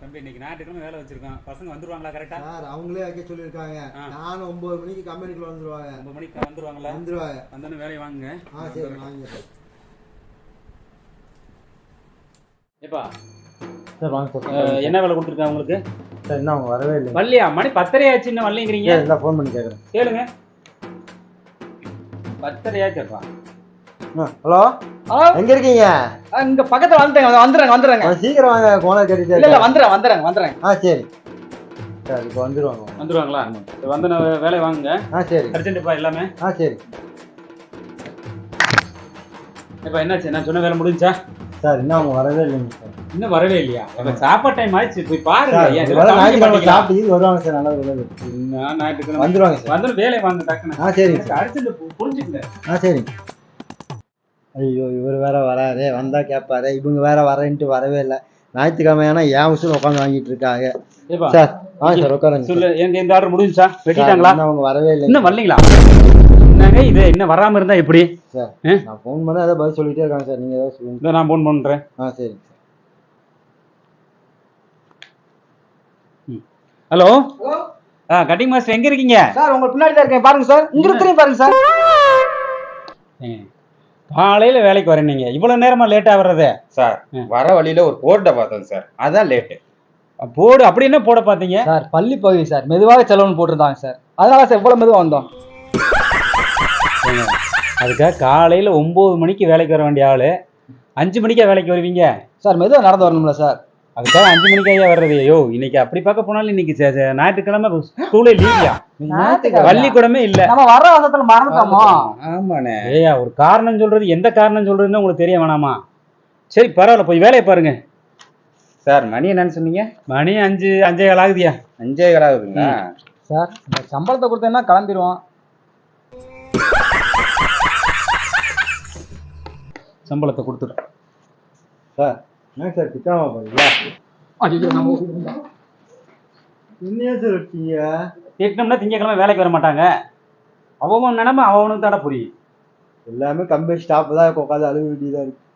தம்பி இன்னைக்கு ஞாயிற்றுக்கிழமை வேலை வச்சிருக்கோம். பசங்க வந்துருவாங்களா கரெக்டா? சார் அவங்களே வைக்க சொல்லியிருக்காங்க. நானும் 9 மணிக்கு கம்பெனிக்குள்ள வந்துருவாங்க. 9 மணிக்கு வந்துருவாங்களா? வந்துருவாங்க. வந்தோடனே வேலையை வாங்குங்க. சரி வாங்க. ஏப்பா சார் வாங்க சார். என்ன வேலை கொடுத்துருக்காங்க உங்களுக்கு? சார் இன்னும் அவங்க வரவே இல்லை. வரலையா? மணி 10:30 ஆச்சு, இன்னும் வரலைங்கிறீங்க. இல்லை ஃபோன் பண்ணி கேட்குறேன். கேளுங்க. 10:30 ஆச்சுப்பா. ஹலோ, எங்க இருக்கீங்க? இங்க பக்கத்துல வந்துடுறேன். சீக்கிரம் வாங்க, போன கேட்டு. இல்ல வந்துடுறேன். சரி சார், இப்போ வந்துருவாங்களா? வந்து வேலையை வாங்குங்க. சரி அர்ஜென்ட்ப்பா எல்லாமே. சரி. இப்போ என்னாச்சு? நான் சொன்ன வேலை முடிஞ்சா? சார் இன்னும் அவங்க வரவே இல்லைங்க சார். இன்னும் வரவே இல்லையா? சாப்பாடு டைம் ஆயிடுச்சு, போய் பாருங்க. சாப்பிட்டு வருவாங்க சார். நல்லா ஞாயிற்றுக்கிழமை வந்துருவாங்க சார். வந்து வேலையை வாங்க டக்குன்னு. சரிங்க. அர்ஜென்ட் புரிஞ்சுக்கங்க. சரி. ஐயோ, இவர் வேற வராரு, வந்தா கேட்பாரு. இவங்க வேற வரேன்ட்டு வரவே இல்லை. ஞாயிற்றுக்கிழமையான ஏன் உசுறு உட்காந்து வாங்கிட்டு இருக்காங்க. சார் சார் உட்காருங்க. சொல்லு, இந்த ஆர்டர் முடிஞ்சுச்சா? வெட்டிட்டாங்களா? அவங்க வரவே இல்லை. இன்னும் வரலீங்களா? என்னங்க இது, இன்னும் வராம இருந்தா எப்படி சார்? நான் ஃபோன் பண்ண ஏதாவது பதில் சொல்லிட்டே இருக்காங்க சார். நீங்க ஏதாவது சொல்லுங்க. நான் ஃபோன் பண்றேன். சரி. ஹலோ, கட்டிங் மாஸ்டர் எங்க இருக்கீங்க? சார் உங்க பின்னாடி தான் இருக்கேன், பாருங்க சார். இங்க இருக்கிறேன் பாருங்க சார். காலையில வேலைக்கு வரேன், நீங்க இவ்வளவு நேரமா லேட்டா வர்றது? சார் வர வழியில ஒரு போர்டை பார்த்தோம் சார், அதான் லேட்டு. போர்டு அப்படி என்ன போட பாத்தீங்க? சார் பள்ளி பகுதி சார், மெதுவாக செலவுன்னு போட்டிருந்தாங்க சார். அதனால சார் இவ்வளவு மெதுவா வந்தோம். அதுக்காக காலையில 9 மணிக்கு வேலைக்கு வர வேண்டிய ஆளு 5 மணிக்கா வேலைக்கு வருவீங்க? சார் மெதுவா நடந்து வரணும்ல சார். அதுக்காக 5 மணிக்காக வர்றது? ஐயோ, இன்னைக்கு அப்படி பார்க்க போனாலும் இன்னைக்கு ஞாயிற்றுக்கிழமை ஸ்கூலே லீவியா? பள்ளிக்கூடமே இல்ல. நம்ம வர அவசரத்துல மறந்துட்டோமோ? ஆமாண்ணே. ஏயா, ஒரு காரணம் சொல்றது, எந்த காரணம் சொல்றதுன்னு உங்களுக்கு தெரிய வேணாமா? சரி பரவாயில்ல, போய் வேலையை பாருங்க. சார் மணி என்னன்னு சொன்னீங்க? மணி 5:15 ஆகுதியா? 5:15 ஆகுதுங்களா? சார் இந்த சம்பளத்தை கொடுத்தேன்னா கிளம்பிடுவோம். சம்பளத்தை கொடுத்துரு சார். என்ன சார் திட்டாம போறீங்களா? என்னையா சார் வச்சீங்க? திட்டம்னா திங்கக்கிழமை வேலைக்கு வர மாட்டாங்க. அவன் நினைமை அவனுக்கு தானே புரியும். எல்லாமே கம்பெனி ஸ்டாப் தான் உட்காந்து அழுக வேண்டியதா இருக்கு.